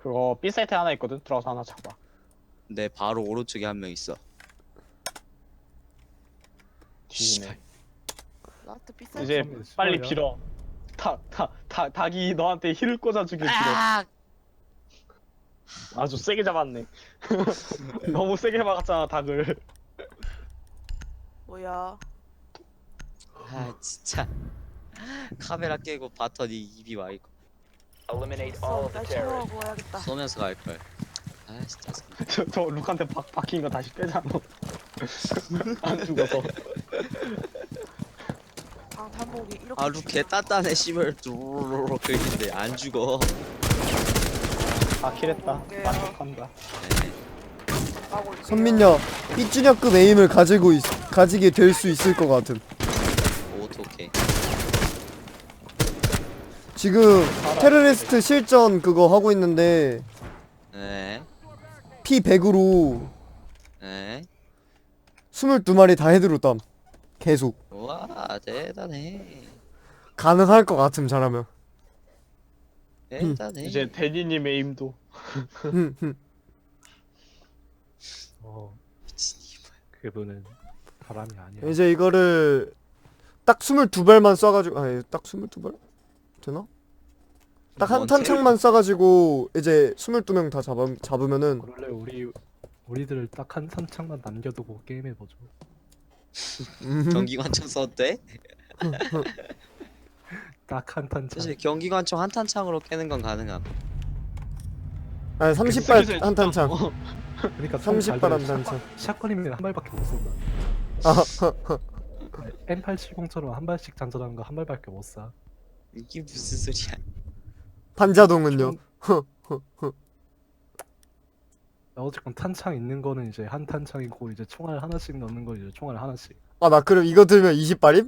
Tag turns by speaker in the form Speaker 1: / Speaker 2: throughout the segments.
Speaker 1: 그거 B 사이트 하나 있거든. 들어가서 하나 잡아.
Speaker 2: 내 바로 오른쪽에 한 명 있어.
Speaker 1: 뒤지네.
Speaker 3: 라스트 비싸.
Speaker 1: 이제
Speaker 4: 좀
Speaker 1: 빨리
Speaker 4: 싫어요.
Speaker 1: 빌어. 닭이 너한테 힐을 꽂아주길 빌어.
Speaker 2: 아!
Speaker 1: 아주 세게 잡았네. 너무 세게 막았잖아 닭을.
Speaker 3: 뭐야?
Speaker 2: 아 진짜 카메라 깨고 봤더니 입이 와 있고
Speaker 5: Eliminate all of the
Speaker 3: 날
Speaker 5: terrorists.
Speaker 3: 샤워하고 와야겠다.
Speaker 2: 쏘면서 갈 걸. 아 진짜.
Speaker 1: 저 룩한테 박힌 거 다시 빼잖아. 안 죽어서.
Speaker 3: 방탄복이 이렇게.
Speaker 2: 아루 개 단단해 씨발 뚜루루루 긁는데 안 죽어.
Speaker 1: 아 킬했다.
Speaker 3: 볼게요.
Speaker 1: 만족한다.
Speaker 2: 네.
Speaker 3: 하고 있어요.
Speaker 6: 선민야 삐쭈냐급 에임을 가지게 될 수 있을 것 같음.
Speaker 2: 어떡해.
Speaker 6: 지금 테러리스트 실전 그거 하고 있는데
Speaker 2: 네.
Speaker 6: P100으로
Speaker 2: 네.
Speaker 6: 22마리 다 헤드로땀. 계속
Speaker 2: 우와 대단해.
Speaker 6: 가능할 것 같음 잘하면.
Speaker 2: 대단해.
Speaker 1: 이제 데니님의 임도.
Speaker 2: 미친 이발.
Speaker 4: 그분은 바람이 아니야.
Speaker 6: 이제 이거를 딱 22발만 쏴가지고 아니 딱 22발? 되나? 딱 한
Speaker 2: 뭔데?
Speaker 6: 탄창만 쏴가지고 이제 22명 다 잡으면은
Speaker 4: 그럴래 우리들을 딱 한 선창만 남겨두고 게임해보죠.
Speaker 2: 경기관총 썼대?
Speaker 4: 딱 한 탄창.
Speaker 2: 사실 경기관총 한 탄창으로 깨는 건 가능함.
Speaker 6: 아니 30발 한 탄창.
Speaker 4: 그러니까
Speaker 6: 30발 한 탄창.
Speaker 4: 샷건이면 한 발밖에 못 쏜다.
Speaker 6: 아,
Speaker 4: M870처럼 한 발씩 장전하는 거 한 발밖에 못 쏴.
Speaker 2: 이게 무슨 소리야?
Speaker 6: 반자동은요?
Speaker 4: 어쨌건 탄창 있는 거는 이제 한 탄창이고 이제 총알 하나씩 넣는 거 이제 총알 하나씩.
Speaker 6: 아 나 그럼 이거 들면 20발임?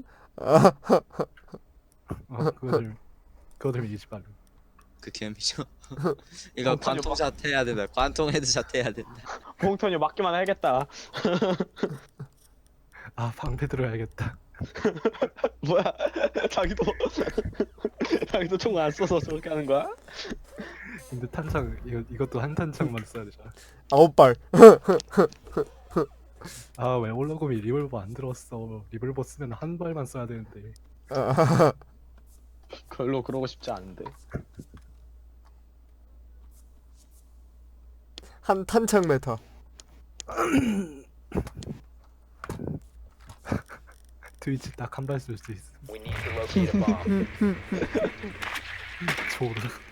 Speaker 4: 그거 들면 20발.
Speaker 2: 그 개미죠. 이거 관통샷 해야 된다. 관통 헤드샷 해야 된다.
Speaker 1: 봉턴이 맞기만 해야겠다.
Speaker 4: 아 방패 들어야겠다.
Speaker 1: 뭐야? 자기도 총 안 써서 저렇게 하는 거야?
Speaker 4: 근데 탄창 이것도 한 탄창만 써야 되잖아.
Speaker 6: 9발.
Speaker 4: 아 왜 올라곰이 리볼버 안 들었어? 리볼버 쓰면 한 발만 써야 되는데.
Speaker 1: 별로 그러고 싶지 않은데.
Speaker 6: 한 탄창 메타.
Speaker 4: 트위치 딱 한 발 쓸 수 있어.
Speaker 5: We need to locate a bomb.
Speaker 4: 조르.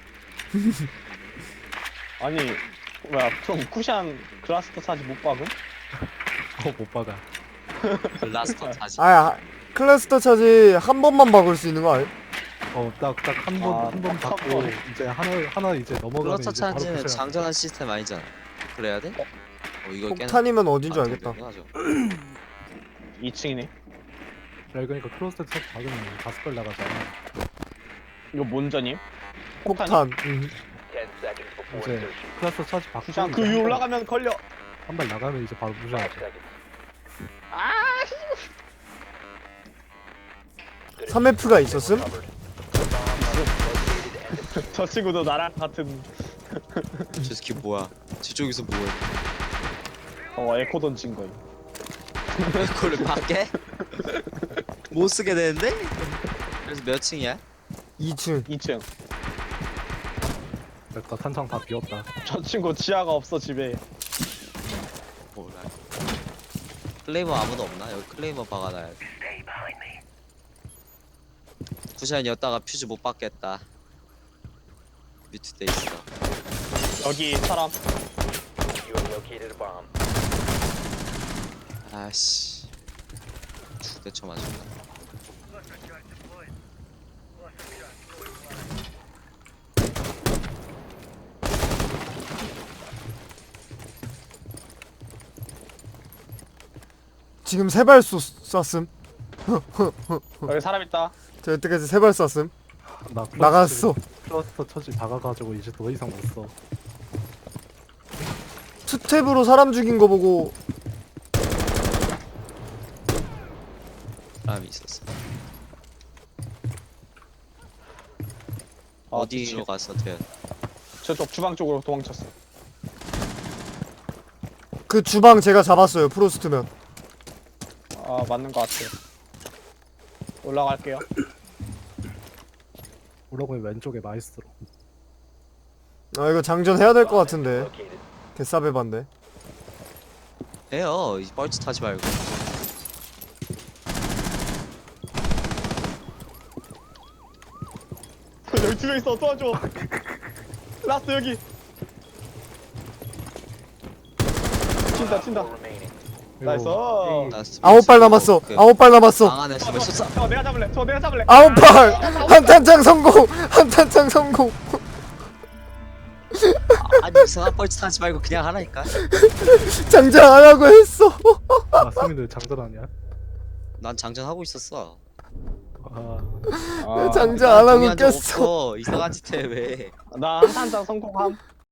Speaker 1: 아니 뭐야? 그럼 쿠션 그라스터 사지 못 박음?
Speaker 4: 못 박아.
Speaker 2: 그 라스터 타지.
Speaker 6: 아 클래스터 차지 한 번만 박을 수 있는 거 아니?
Speaker 4: 딱 한 번 한 번
Speaker 1: 한
Speaker 4: 받고
Speaker 1: 번.
Speaker 4: 이제 하나 이제 넘어가면
Speaker 2: 플러터
Speaker 4: 이제 바로
Speaker 2: 차지는
Speaker 4: 부셔야 돼.
Speaker 2: 장전한 시스템 아니잖아. 그래야 돼? 이거 깨는.
Speaker 6: 폭탄이면 어딘 줄 알겠다.
Speaker 1: 2층이네.
Speaker 4: 야 그러니까 크로스터 차 박으면 5발 나가잖아.
Speaker 1: 이거 뭔전임?
Speaker 6: 폭탄.
Speaker 5: 10 seconds before
Speaker 4: 이제
Speaker 5: insertion.
Speaker 4: 크로스터 차지 박고
Speaker 1: 쿠션 그 위에 올라가면 걸려.
Speaker 4: 한 발 나가면 이제 바로
Speaker 5: 5
Speaker 4: 부셔야 돼.
Speaker 5: seconds.
Speaker 6: 3F가 있었음?
Speaker 1: 저 친구도 나랑 같은
Speaker 2: 저 새끼 뭐야? 저쪽에서 뭐해?
Speaker 1: 에코 던진 거임.
Speaker 2: 그걸 밖에? 못 쓰게 되는데? 그래서 몇 층이야?
Speaker 6: 2층.
Speaker 1: 2층.
Speaker 4: 됐다 탄창 다 비웠다.
Speaker 1: 저 친구 지하가 없어 집에.
Speaker 2: 몰라. 클레이머 아무도 없나? 여기 클레이머 박아놔야 돼. 쿠션이었다가 퓨즈 못 받겠다. 뮤트돼 있어.
Speaker 1: 여기 사람.
Speaker 5: You have located a bomb.
Speaker 2: 아씨. 죽대쳐 맞았다.
Speaker 6: 지금 3발 쐈음.
Speaker 1: 여기 사람 있다.
Speaker 6: 저 여태까지 3발 쐈음.
Speaker 4: 나
Speaker 6: 나갔어.
Speaker 4: 클러스터 처지 박아가지고 이제 더 이상 못 써.
Speaker 6: 투탭으로 사람 죽인 거 보고
Speaker 2: 사람이 있었어.
Speaker 1: 아,
Speaker 2: 어디로 갔어, 태연?
Speaker 1: 저쪽 주방 쪽으로 도망쳤어.
Speaker 6: 그 주방 제가 잡았어요. 프로스트면.
Speaker 1: 아 맞는 것 같아요. 올라갈게요.
Speaker 4: 오라고의 왼쪽에 마이스트로.
Speaker 6: 아 이거 장전 해야 될 것
Speaker 5: Bomb has been
Speaker 6: 같은데.
Speaker 5: located.
Speaker 6: 개싸배반데.
Speaker 2: 해요. 이 뻘짓 하지 말고.
Speaker 1: 여기 2명 있어. 도와줘. 라스트 여기. 친다 친다.
Speaker 5: Four remaining.
Speaker 1: 나이스.
Speaker 2: 나
Speaker 6: 9발 남았어.
Speaker 2: 그
Speaker 6: 9발 남았어.
Speaker 2: 방 안에 숨을 쏟아.
Speaker 1: 저 내가 잡을래. 저 내가 잡을래.
Speaker 6: 9발. 한탄창 성공. 한탄창 성공.
Speaker 2: 아니 이상한 뻘짓 하지 말고 그냥 하라니까.
Speaker 6: 장전 안 하고 했어.
Speaker 4: 아 승민들 장전 아니야?
Speaker 2: 난 장전하고 있었어.
Speaker 4: 아
Speaker 6: 장전 안 하고
Speaker 2: 동의한 적
Speaker 6: 꼈어.
Speaker 2: 없어. 이상한 짓 해 왜?
Speaker 1: 나 한탄장 성공함.